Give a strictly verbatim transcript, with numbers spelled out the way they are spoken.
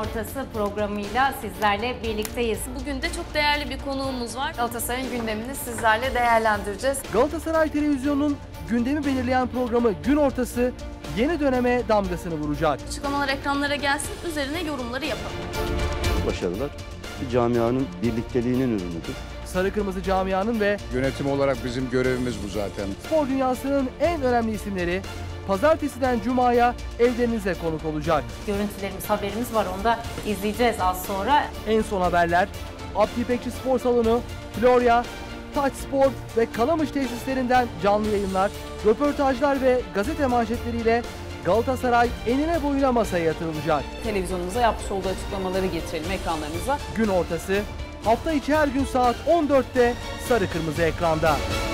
Ortası programıyla sizlerle birlikteyiz. Bugün de çok değerli bir konuğumuz var. Galatasaray'ın gündemini sizlerle değerlendireceğiz. Galatasaray Televizyonu'nun gündemi belirleyen programı Gün Ortası yeni döneme damgasını vuracak. Açıklamalar ekranlara gelsin, üzerine yorumları yapalım. Başarılar bir camianın birlikteliğinin ürünüdür. Sarı Kırmızı camianın ve Yönetim olarak bizim görevimiz bu zaten. spor dünyasının en önemli isimleri Pazartesiden Cuma'ya evlerinize konuk olacak. Görüntülerimiz, haberimiz var. Onu da izleyeceğiz az sonra. En son haberler, Abdi İpekçi Spor Salonu, Florya, Taç Spor ve Kalamış tesislerinden canlı yayınlar, röportajlar ve gazete manşetleriyle Galatasaray enine boyuna masaya yatırılacak. Televizyonumuza yapmış olduğu açıklamaları getirelim ekranlarınıza. Gün Ortası hafta içi her gün saat on dörtte Sarı Kırmızı ekranda.